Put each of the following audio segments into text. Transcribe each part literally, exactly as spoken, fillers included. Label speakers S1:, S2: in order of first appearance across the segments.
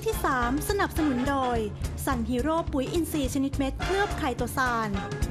S1: ที่ สาม สนับสนุนโดยซันฮีโร่ปุ๋ยอินทรีย์ชนิดเม็ดเคลือบไคโตซาน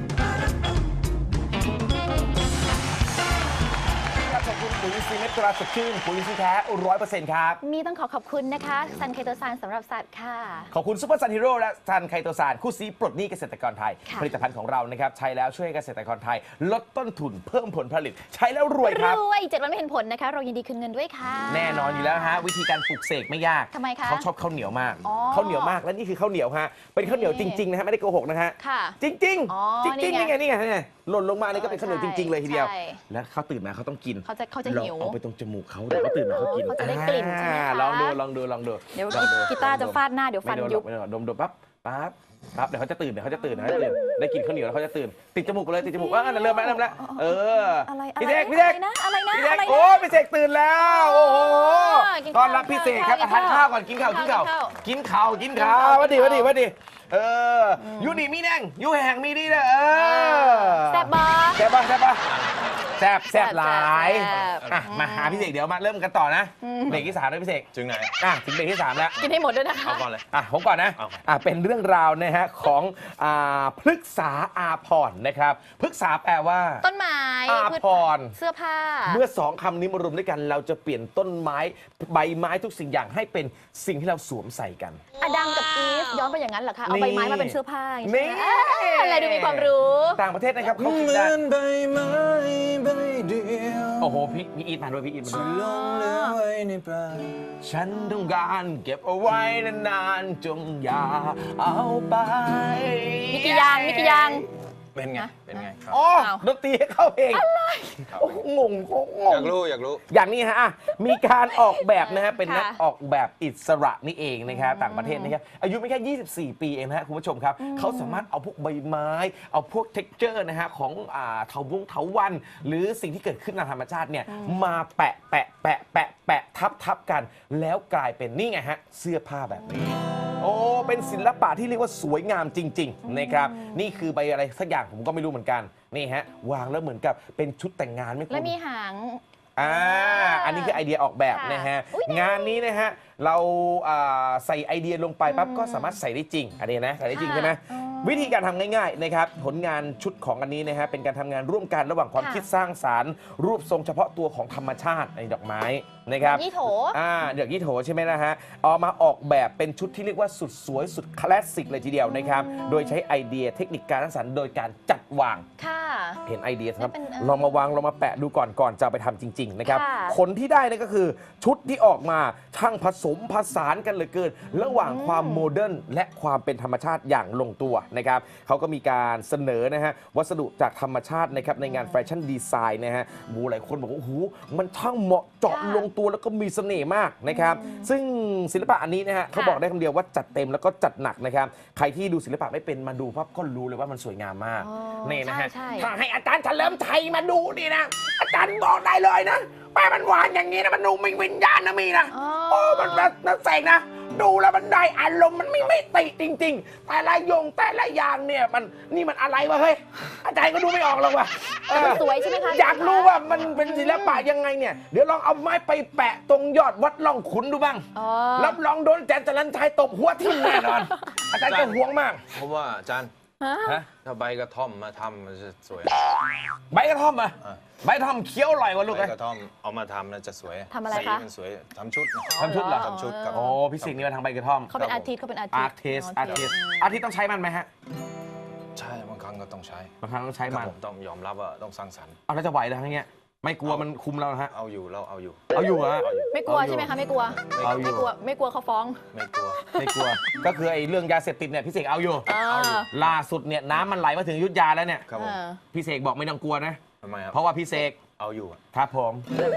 S2: ขอบคุณปุ๋ยอินทรีย์เม็ดตราสดชื่นปุ๋ยอินทรีย์แท้ร้อยเปอร์เซ็นต์ครับ
S3: มีต้องขอขอบคุณนะคะซันไคโตซานสำหรับสัตว์ค่ะ
S2: ขอบคุณซูเปอร์ซันฮีโร่และซันไคโตซานคู่ซีปลดหนี้เกษตรกรไทยผลิตภัณฑ์ของเรานะครับใช้แล้วช่วยเกษตรกรไทยลดต้นทุนเพิ่มผลผลิตใช้แล้วรวยครับ
S3: รวยเจ็ดวันไม่เห็นผลนะคะเรายินดีคืนเงินด้วยค่ะ
S2: แน่นอนอยู่แล้วฮะวิธีการปลูกเสกไม่ยาก
S3: ทำไมคะ
S2: เขาชอบข้าวเหนียวมากข้าวเหนียวมากและนี่คือข้าวเหนียวฮะเป็นข้าวเหนียวจริงๆนะฮะไม่ได้โกหกนะฮะจริงจริงจริงจริงนี่ไงนี่ไงนี่หล่นลงมานี่ก็เป็นข้าวเหนียวจริงๆเลยทีเดียวแล้วเขาตื่นมาเขาต้องกิน
S3: เขาจะเขาจะหิว
S2: เอาไปตรงจมูกเขาเดี๋ยวเขาตื่นมาเขากิน
S3: เขาจะได้กลิ่นใช่ไหมคะ
S2: ลองดูลองดูลองดู
S3: เดี๋ยวกีตาร์จะฟาดหน้าเดี๋ยวฟันยุบ
S2: ดมดมปั๊บปั๊บปั๊บเดี๋ยวเขาจะตื่นเดี๋ยวเขาจะตื่นเดี๋ยวเขาจะตื่นได้กินข้าวเหนียวแล้วเขาจะตื่นติดจมูกไปเลยติดจมูกว่านั่นเริ่มแล้วเริ่มแล้วเออพี่เสกพี่เสก
S3: นะอะไรนะ
S2: พี่เสกโอ้พี่เสกตื่นแล้วโอ้โหตอนรับพี่เสกครับทานข้าวก่อนกินข้าวกินข้าวกินข้าวกินข้าววัดดีวัดดีวัดดีเออยูดีมีแดงยูแห่งมีดีนะเออ
S3: แซ่บบ้า
S2: แซ่บบ้าแซ่บบ้าแซ่บแซ่บหลายอ่ะมาหาพี่เสกเดี๋ยวมาเริ่มกันต่อนะเบรกที่สามเลยพี่เสก
S4: ถึงไหน
S2: อ่ะถึงเบรกที่สามแล้ว
S3: กินให้หมดด้วยนะ
S4: เอาก่อนเลย
S2: อ่ะผมก่อนนะอ่ะเป็นเรื่องราวนะฮะของอ่าพฤกษาอาภรณ์นะครับพฤกษาแปลว่า
S3: ต้นไม้
S2: อาภรณ์
S3: เสื้อผ้า
S2: เมื่อสองคำนี้มารวมด้วยกันเราจะเปลี่ยนต้นไม้ใบไม้ทุกสิ่งอย่างให้เป็นสิ่งที่เราสวมใส่กัน
S3: อดัมกับอีฟย้อนไปอย่างนั้นเหรอคะเอาใบไม้มาเป็นเสื้อผ้า
S2: นี่
S3: อะไรดูมีความรู้
S2: ต่างประเทศนะครับเขาคิดได้
S4: ใบไม้ใบเดียว
S2: โอ้โหพี่พี่อีทมาด้วยพี่อีทมาด้วย
S4: ลงเหลือไว้ในป่า
S2: ฉันต้องการเก็บเอาไว้นานๆจงอย่าเอาไป
S3: มีกี่อย่างมีกี่อย่าง
S4: เป็นไงเป็นไงครับ
S2: อ๋อดนตรีเข้าเพลงอะไรโอ้งงงง
S4: อยากรู้อยากรู้
S2: อย่างนี้ฮะมีการออกแบบนะฮะเป็นนักออกแบบอิสระนี่เองนะครับต่างประเทศนะครับอายุไม่แค่ยี่สิบสี่ปีเองนะฮะคุณผู้ชมครับเขาสามารถเอาพวกใบไม้เอาพวกเท็กเจอร์นะฮะของอ่าเถาวุ้งเถาวันหรือสิ่งที่เกิดขึ้นในธรรมชาติเนี่ยมาแปะแปะแปะแปะแปะทับทับกันแล้วกลายเป็นนี่ไงฮะเสื้อผ้าแบบนี้โอ้เป็นศิลปะที่เรียกว่าสวยงามจริงๆนะครับนี่คือใบอะไรสักอย่างผมก็ไม่รู้เหมือนกันนี่ฮะวางแล้วเหมือนกับเป็นชุดแต่งงานไหมคุณ
S3: แล้วมีหาง
S2: อ่าอันนี้คือไอเดียออกแบบนะฮะงานนี้นะฮะเราใส่ไอเดียลงไปปั๊บก็สามารถใส่ได้จริงอันนี้นะใส่ได้จริงใช่ไหมวิธีการทำง่ายๆนะครับผลงานชุดของอันนี้นะฮะเป็นการทำงานร่วมกันระหว่างความคิดสร้างสรรค์รูปทรงเฉพาะตัวของธรรมชาติในดอกไม้นะครับ
S3: ยี่โถ
S2: อ่าเดือกยี่โถใช่ไหมนะฮะเอามาออกแบบเป็นชุดที่เรียกว่าสุดสวยสุดคลาสสิกเลยทีเดียวนะครับโดยใช้ไอเดียเทคนิคการสร้างสรรค์โดยการจัดวาง
S3: ค่ะ
S2: เห็นไอเดียครับลองมาวางลองมาแปะดูก่อนก่อนจะไปทำจริงๆนะครับผลที่ได้นี่ก็คือชุดที่ออกมาช่างผสมผสานกันเหลือเกินระหว่างความโมเดิร์นและความเป็นธรรมชาติอย่างลงตัวนะครับเขาก็มีการเสนอนะฮะวัสดุจากธรรมชาตินะครับในงานแฟชั่นดีไซน์นะฮะบูหลายคนบอกว่าโอ้โหมันช่างเหมาะเจาะลงตัวแล้วก็มีเสน่ห์มากนะครับซึ่งศิลปะอันนี้นะฮะเขาบอกได้คำเดียวว่าจัดเต็มแล้วก็จัดหนักนะครับใครที่ดูศิลปะไม่เป็นมาดูปั๊บก็รู้เลยว่ามันสวยงามมากนี่นะฮะถ้าให้อาจารย์เฉลิมชัยมาดูนี่นะอาจารย์บอกได้เลยนะแม่มันหวานอย่างนี้นะมันดูมีวิญญาณนะมีนะโอ้มันมันเสกนะดูแล้วมันได้อารมณ์มันไม่ไม่ติจริงๆแต่ละยงแต่ละอย่างเนี่ยมันนี่มันอะไรวะเฮ้ยอาจารย์ก็ดูไม่ออกหรอกว่ะ
S3: สวยใช่ไหมคะ
S2: อยากรู้ว่ามันเป็นศิลปะยังไงเนี่ยเดี๋ยวลองเอาไม้ไปแปะตรงยอดวัดล่องขุนดูบ้างรับรองโดนอาจารย์จรัญชัยตบหัวทิ่มแน่นอนอาจารย์จะห่วงมาก
S4: เพราะว่าอาจารย์ถ้าใบกระท่อมมาทำมันจะสวย
S2: ใบกระท่อมอ่ะใบกระท่อมเคี้ยวอร่อยกว่าลูก
S4: ใบกระท่อมเอามาทำแล้วจะสวย
S3: ทำอะไรคะ
S4: มันสวยทำชุด
S2: ทำชุดเหรอ
S4: ทำชุดกับ
S2: โอ้พี่สิงห์นี่มาทางใบกระท่อม
S3: เขาเป็นอาร์ติสต์เขาเป็นอาร์
S2: ติสต์อาร์ติสต์อาร์ติสต์ต้องใช้มันไหมฮะ
S4: ใช่บางครั้งก็ต้องใช้
S2: บางครั้งต้องใช้มัน
S4: ผมต้องยอมรับว่าต้องสร้างสรรค์
S2: เอาแล้วจะไหวแล้วทั้งเนี้ยไม่กลัวมันคุมเราฮะ
S4: เอาอยู่เราเอาอยู่
S2: เอาอยู่ฮะ
S3: ไม่กลัวใช่ไหมคะไม่กลัวไม่กลัวไม่กลัวเขาฟ้อง
S4: ไม่กลัว
S2: ไม่กลัวก็คือไอ้เรื่องยาเสพติดเนี่ยพี่เสกเอาอยู่ล่าสุดเนี่ยน้ำมันไหลมาถึงยุทธยาแล้วเนี่ยพี่เสกบอกไม่ต้องกลัวนะ
S4: ทำไมครับ
S2: เพราะว่าพี่เสก
S4: เอาอยู่
S2: ครับผม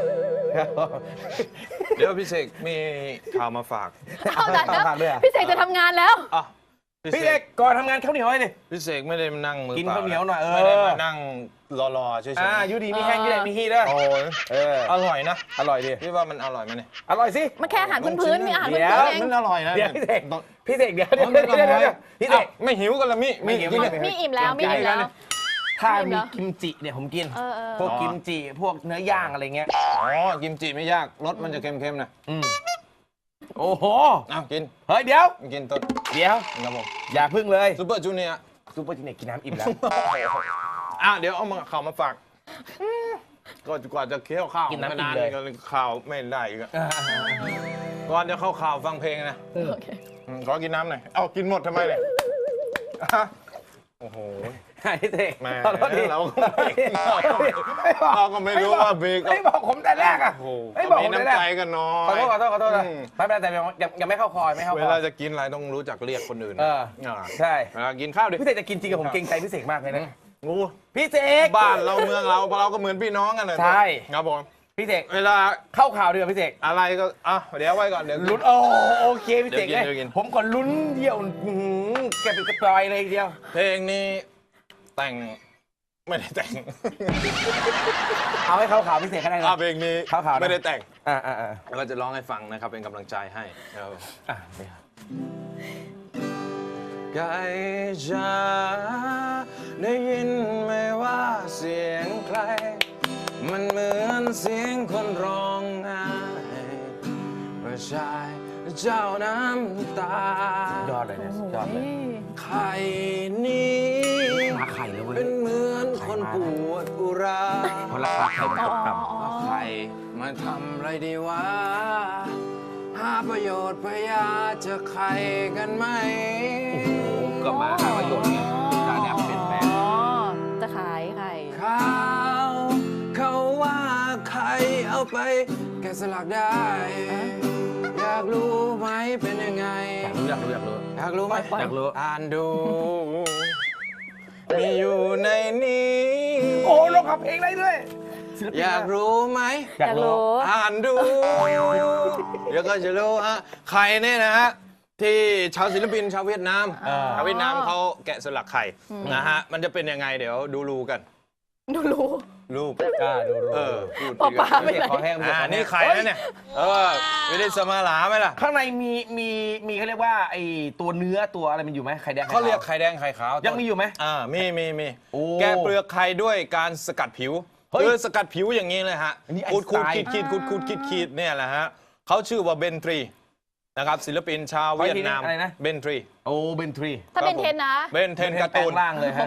S4: เดี๋ยวพี่เสกมีข่าวมาฝาก
S3: เอาแต่พี่เสกจะทำงานแล้ว
S2: พี่เสกก่อนทำงานข้าวเหนียวไว้ดิ
S4: พี่เสกไม่ได้มานั่งมือ
S2: กินข้าวเหนียวหน่อยเออ
S4: ไม่ได้มานั่งรอๆเฉยๆ
S2: อ่ายูดีมีแห้งยูดีมีฮีด้วย
S4: โอ้ยเอออร่อยนะ
S2: อร่อยดิ
S4: พี่ว่ามันอร่อยไหมเนี่ย
S2: อร่อยสิ
S3: มันแค่อาหารพื้นๆมีอาหารพื้นๆเอง
S4: มันอร่อยนะ
S2: เดี๋ยวพี่เสกพี่เสกเดี๋ยวเดี๋ยวเดี๋ยวพี่เสก
S4: ไม่หิวกันละมิ
S3: มีมีอิ่มแล้วมีอิ่มแล้ว
S2: ถ้ามีกิมจิเนี่ยผมกินพวกกิมจิพวกเนื้อย่างอะไรเงี้ย
S4: อ๋อกิมจิไม่ยากรสมันจะเค็มๆนะ
S2: โอ้โห
S4: เอากิน
S2: เฮ้ยเดี๋ยว
S4: กินต้น
S2: เดี๋ยว
S4: ครับผม
S2: อย่าพึ่งเลย
S4: ซูเปอร์จูเนียร์
S2: ซูเปอร์จีเนียร์กินน้ำอิ่มแล้ว
S4: อ่ะเดี๋ยวเอามาข่าวมาฝากก็กว่าจะเคี้ยวข้าว
S2: กินน้ำอิ่ม
S4: นาน
S2: เลย
S4: ก็ข่าวไม่ได้อีกอะก่อนจะเข้าข่าวฟังเพลงนะ
S3: โอเค
S4: อืมขอกินน้ำหน่อย เอากินหมดทำไมเนี่ยอ่ะโอ้โห
S2: ไอ้เด็ก
S4: แหม่
S2: ขอโทษที
S4: เราก็ไม่เราก็ไม่รู้ว่าบีก็
S2: ไม่บอกผมแต่แรกอ่ะ
S4: โอ้โห
S2: ไม่บอก
S4: มี
S2: ผมแต่แร
S4: น้ำ
S2: ก
S4: ใจกันน้อ
S2: ขอย โทษขอโทษขอโทษนะ
S4: อืม
S2: ไม่เป็นไรแต่ยังยังยังไม่เข้าคอยไม่เข้า
S4: เว
S2: คอ
S4: ลาย จะกินอะไรต้องรู้จักเรียกคนอื่น
S2: เออ
S4: อ่า
S2: ใช่
S4: เวลากินข้าวดิ
S2: พี่เสกจะกินจริงกับผมเกรงใจพี่เสกมากเลยนะ
S4: งู
S2: พี่เสก
S4: บ้านเราเมืองเราเราก็เหมือนพี่น้องกันเลย
S2: ใช่
S4: ครับผม
S2: พี่เสก
S4: เวลา
S2: เข้าข่าวดีกว่าพี่เสก
S4: อะไรก็อ่ะเดี๋ยวไว้ก่อนเดี๋ยว
S2: ลุ้นโอ้โอเคพี่เสก
S4: เดี๋
S2: เลย
S4: วย กินเดี๋ยวกิน
S2: ผมก่อนลุ้นเดียวอื้อหือแกเป็นกระปลอยเลยทีเดียว
S4: เพลงนี้แต่งไม่ได้แต่ง
S2: เอาให้เข้าข่าวพี่เสกก็ได้นะ
S4: อ่ะเพลงนี้
S2: ข่าวๆนะ
S4: ไม่ได้แต่ง
S2: อ่าอ่าอ่า
S4: แล้วก็จะร้องให้ฟังนะครับเป็นกำลังใจให้ครับ
S2: อ่าเนี่ย
S4: ไก่จ๋าได้ยินไหมว่าเสียงใคร มันเหมือนเสียงคนร้องไห้ประชายเจ้าน้ำตาย
S2: อดเลยเนี่ยสุดยอดเลย
S4: ไข่นี้
S2: ราคาไข่เลยเว้ย
S4: เป็นเหมือนคนปวดอุรา
S2: เพราะราคาไข่มันตกต่ำ
S4: เอาไข่มาทำอะไรดีวะ หาประโยชน์พยาจะไข่กันไหม
S2: โอ้โหก็มาหาประโยชน์เนี่ยการเนี่ยเป็นแฟน
S3: อ๋อ จะขายไข่
S4: ข่าวเขาว่าไข่เอาไปแกะสลักได้ อยากรู้ไหมเป็นยังไง
S2: อยากรู้อยากรู้อยากรู้
S4: อยากรู้ไหม
S2: อยากรู้
S4: อ่านดู มีอยู่ในนี้
S2: โอ้ลงขับเพลงได้ด้วยศิลปิน
S4: อยากรู้ไหม
S2: อยากรู้
S4: อ่านดู เดี๋ยวก็จะรู้ฮะใครเนี่ยนะฮะ ที่ชาวศิลปินชาวเวียดนาม
S2: อ่า
S4: ชาวเวียดนามเขาแกะสลักไข่นะฮะ มันจะเป็นยังไงเดี๋ยวดูรูกัน
S3: ดูรู้
S4: รูป
S2: อ่าดูรู้
S4: เออพูด
S3: ปอปลา
S2: ไม่ใช่คอแห้งไม่ใช่
S4: อ่า
S2: คอแห้ง
S4: นี่ไข่นะเนี่ย เออไม่ได้สมาหลาไหมล่ะ
S2: ข้างในมีมีมีเขาเรียกว่าไอ้ตัวเนื้อตัวอะไรมันอยู่ไหมไข่แดงไข่
S4: เขาเรียก
S2: ขาว
S4: ไข่แดงไข่ขาว
S2: ยังมีอยู่ไหม
S4: อ่ามีมีมี
S2: โอ้
S4: แกะเปลือกไข่ด้วยการสกัดผิว
S2: เฮ้ย
S4: คือสกัดผิวอย่างนี้เลยฮะ
S2: อันนี้ไอ
S4: ขูด
S2: น์
S4: ขูด
S2: สไตล์
S4: ขีดขีดขูดขูดขีดขีดเนี่ยแหละฮะเขาชื่อว่าเบนทรีนะครับศิลปินชาวเวียดนาม
S2: อะไรนะ
S4: เบนทรี
S2: โอ้เบนทรี
S3: ถ้าเป็นเทนนะ
S4: เบนเทนการ์ตูน
S2: แปลงร่างเลยฮะ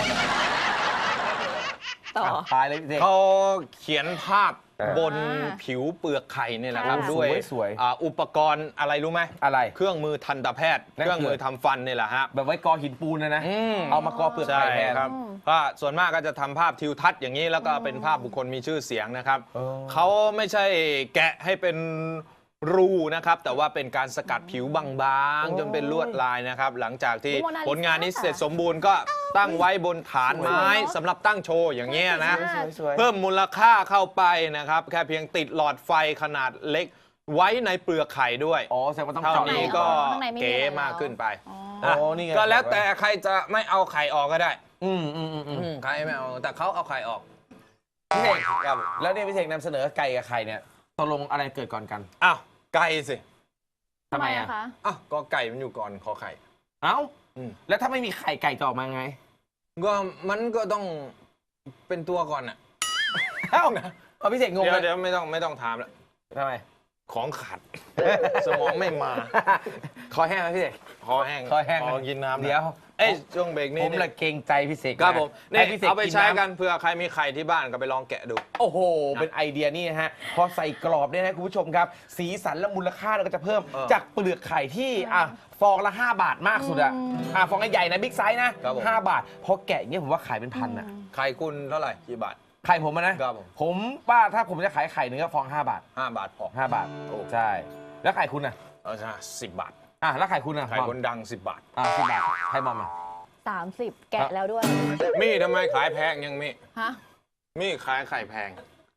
S3: ต่อ
S2: ตายเลยพี่เสก
S4: เขาเขียนภาพ
S2: เออ
S4: บนผิวเปลือกไข่เนี่ยแหละครับ
S3: ค่ะ
S4: ด้วย
S2: สวยๆ
S4: อ่าอุปกรณ์อะไรรู้ไหม
S2: อะไร
S4: เครื่องมือทันตแพทย์
S2: นั่นคือ
S4: เครื่องมือทำฟันเนี่ยแหละฮะ
S2: แบบไว้กอหินปูนนะนะ
S4: อืม
S2: เอามากอเปลือก
S4: ใช่
S2: ไข่แทน
S4: ครับก็ส่วนมากก็จะทำภาพทิวทัศน์อย่างนี้แล้วก็เป็นภาพบุคคลมีชื่อเสียงนะครับ
S2: เออ
S4: เขาไม่ใช่แกะให้เป็นรูนะครับ แต่ว่าเป็นการสกัดผิวบางๆ จนเป็นลวดลายนะครับ หลังจากที่
S3: โมนาลิซา
S4: ผลงานนี้เสร็จสมบูรณ์ก็ตั้งไว้บนฐานไม้
S3: สวยเนอะ
S4: สำหรับตั้งโชว์อย่างเงี้ยนะ
S2: สวยๆ
S4: เพิ่มมูลค่าเข้าไปนะครับ แค่เพียงติดหลอดไฟขนาดเล็กไว้ในเปลือกไข่ด้วย
S2: อ๋อแสดงว่าต้อง
S4: เท่า
S2: เจาะ
S4: นี้
S2: รู
S4: ก็
S3: ข้างในไม่มี
S4: เก๋
S3: อะไรแล้ว
S4: มากขึ้นไป
S3: อ๋อ
S2: อ๋อ
S4: อ่ะ
S2: นี่ไง
S4: ก็แล้วแต่ใครจะไม่เอาไข่ออกก็ได้
S2: อืมอืมอืมอืม
S4: อืมใครไม่เอาแต่เขาเอาไข่ออก
S2: พี่เสก
S4: ครับ
S2: แล้วเนี่ยพี่เสกนำเสนอไก่กับไข่เนี่ยตกลงอะไรเกิดก่อนกัน
S4: อ้าวไก่สิ
S3: ทำไมอะคะ
S4: อ้าวก็ไก่มันอยู่ก่อนขอไข่
S2: เอ้า
S4: อืม
S2: แล้วถ้าไม่มีไข่ไก่จะออกมาไง
S4: ก็มันก็ต้องเป็นตัวก่อนอ่ะ
S2: เอ้าเอาพี่เสกงง
S4: เดี๋ย
S2: เล
S4: วย เดี๋ยวไม่ต้องไม่ต้องถามแล้ว
S2: ทำไม
S4: ของขาด สมองไม่มา
S2: คอแห้งไหมพี่เสก
S4: คอแห้ง
S2: คอแห้ง
S4: ขอกินน้ำหน่อ
S2: เดี๋ยว
S4: เอ้ยช่วงเบรกนี้
S2: ผม
S4: นี่
S2: ละเกรงใจพี่เสก
S4: ครับผม
S2: ให้
S4: นี่
S2: พี่เสก
S4: เอาไปใช้
S2: ำ
S4: กันเผื่อใครมีไข่ที่บ้านก็ไปลองแกะดู
S2: โอ้โห เป็นไอเดียนี่นะฮะ พอใส่กรอบเนี่ยนะคุณผู้ชมครับ สีสันและมูลค่าเราก็จะเพิ่ม
S4: เออ
S2: จากเปลือกไข่ที่อ่ะฟองละ ห้า บาทมากสุดอะอ่ะฟองใหญ่ๆนะบิ๊กไซส์นะครับ
S4: ผม
S2: ห้าบาท พอแกะอย่างเงี้ยผมว่าขายเป็นพันอะ
S4: ไข่คุณเท่าไหร่กี่บาท
S2: ไข่ผมอะนะครับ
S4: ผม
S2: ผมว่าถ้าผมจะขายไข่หนึ่งก็ฟองห้าบาท
S4: ห้าบาทพอ
S2: ห้าบาท
S4: โอ้
S2: ใช่ แล้วไข่คุณอะ
S4: เอาใช่สิบบาท
S2: อ่ะแล้วไข่คุณอะ
S4: ไข่
S2: มอม
S4: คนดังสิบบาท
S2: อ่ะสิบบาทไข่มอมอะ
S3: สามสิบแกะแล้วด้วย
S4: มี่ทำไมขายแพงยังมี่
S3: ฮะ
S4: มี่ขายไข่แพง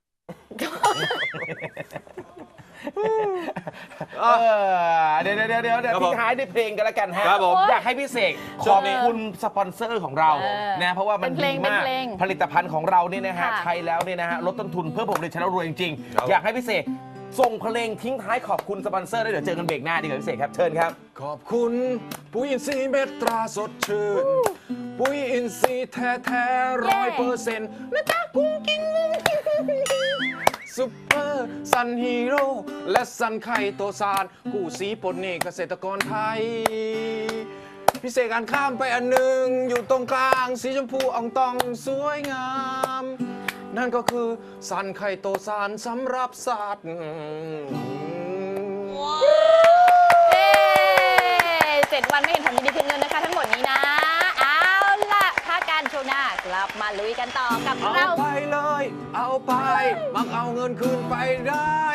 S2: เออเดี๋ยวเดี๋ยวเดี๋ยวเดี๋ยว
S4: ครับผม
S2: ทิ้งท้ายด้วยเพลงกันแล้วกันฮะ
S4: ครับผม
S2: อยากให้พี่เสกข
S4: ช่ว
S2: อง บ
S4: นี้
S2: คุณสปอนเซอร์ของเรา
S3: เออ
S2: นะเพราะว่ามัน
S3: เป็นเพล
S2: ดี
S3: ง
S2: มาก
S3: เป็นเพลง
S2: ผลิตภัณฑ์ของเราเนี่ยนะฮะ
S3: ค่ะ
S2: ใช้แล้วเนี่ยนะฮะลดต้นทุนเพื่อผมเลยชนะรวยจริง
S4: ครับ
S2: ๆ อยากให้พี่เสกส่งเพลงทิ้งท้ายขอบคุณสปอนเซอร์ด้วยเดี๋ยวเจอกันเบรกหน้าดีกว่าพี่เสกครับเชิญครับ
S4: ขอบคุณปุ๋ยอินทรีย์เม็ดตราสดชื่น ปุ๋ยอินทรีย์แท้แท้ร้อยเปอร์เซ็นต์นะจ๊ะกุ้งกิ้งกุ้งกิ้งกุ้งกิ้งสซุปเปอร์ซันฮีโร่และซันไข่โตซานกู้สีปลดหนี้เกษตรกรไทย พิเศษการข้ามไปอันหนึ่งอยู่ตรงกลางสีชมพูอ่องตองสวยงาม นั่นก็คือซันไข่โตซานสำหรับสัตว์
S3: เย้เจ็ดวันไม่เห็นผลดีขึ้นเงินนะคะทั้งหมดนี้นะ เอาล่ะพักการโชว์หน้ากลับมาลุยกันต่อกับ
S4: เอา
S3: เรา
S4: ไปเลย เอาไป มักเอาเงินคืนไปได้